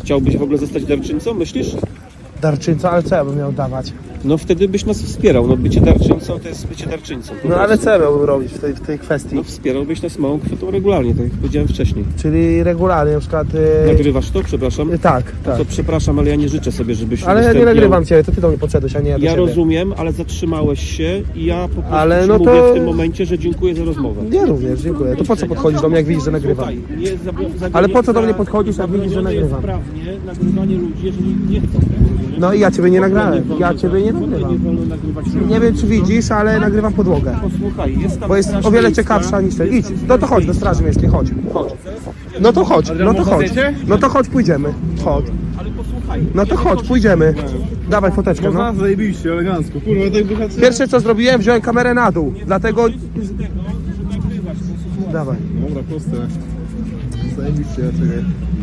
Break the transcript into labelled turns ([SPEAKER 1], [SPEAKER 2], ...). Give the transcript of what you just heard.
[SPEAKER 1] Chciałbyś w ogóle zostać darczyńcą, myślisz?
[SPEAKER 2] Darczyńca, ale co ja bym miał dawać?
[SPEAKER 1] No wtedy byś nas wspierał, no bycie darczyńcą to jest bycie darczyńcą. po
[SPEAKER 2] No ale
[SPEAKER 1] prostu.
[SPEAKER 2] co ja miałbym robić w tej kwestii?
[SPEAKER 1] No wspierałbyś nas małą kwotą regularnie, tak jak powiedziałem wcześniej.
[SPEAKER 2] Czyli regularnie na przykład...
[SPEAKER 1] Nagrywasz to? Przepraszam.
[SPEAKER 2] Tak, tak.
[SPEAKER 1] To przepraszam, ale ja nie życzę sobie, żebyś
[SPEAKER 2] Ale ja nie
[SPEAKER 1] udostępniał.
[SPEAKER 2] nagrywam Ciebie, to Ty do mnie podszedłeś, a nie ja do
[SPEAKER 1] Ja
[SPEAKER 2] ciebie.
[SPEAKER 1] rozumiem, ale zatrzymałeś się i ja po prostu
[SPEAKER 2] Ale
[SPEAKER 1] ci
[SPEAKER 2] no
[SPEAKER 1] mówię
[SPEAKER 2] to-
[SPEAKER 1] w tym momencie, że dziękuję za rozmowę.
[SPEAKER 2] Ja również, dziękuję. To po co podchodzisz do mnie, jak widzisz, że nagrywam?
[SPEAKER 1] Słuchaj, nie
[SPEAKER 2] Ale po co do mnie podchodzisz, jak widzisz, że
[SPEAKER 1] zabronione jest
[SPEAKER 2] nagrywam?
[SPEAKER 1] prawnie nagrywanie ludzi, jeżeli nie chcą.
[SPEAKER 2] No i ja Ciebie nie nagrałem.
[SPEAKER 1] wolno
[SPEAKER 2] Ja Ciebie nie
[SPEAKER 1] w ogóle
[SPEAKER 2] nagrywam.
[SPEAKER 1] Nie wolno nagrywać ludzi.
[SPEAKER 2] Nie wiem, czy widzisz, ale nagrywam podłogę.
[SPEAKER 1] Posłuchaj, jest tam
[SPEAKER 2] Bo jest
[SPEAKER 1] straż
[SPEAKER 2] o wiele
[SPEAKER 1] miejska.
[SPEAKER 2] ciekawsza niż ten. Idź, no to chodź do Straży Miejskiej, chodź. Chodź. No to chodź, no to chodź. No to chodź, pójdziemy. Chodź.
[SPEAKER 1] Ale posłuchaj.
[SPEAKER 2] No to chodź, pójdziemy. Dawaj foteczkę, no.
[SPEAKER 3] Zajebiście, elegancko. Kurwa, tak bohater.
[SPEAKER 2] Pierwsze co zrobiłem, wziąłem kamerę na dół. Dlatego... Dawaj.
[SPEAKER 3] Dobra, proste. Zajebiście, ja czekaj.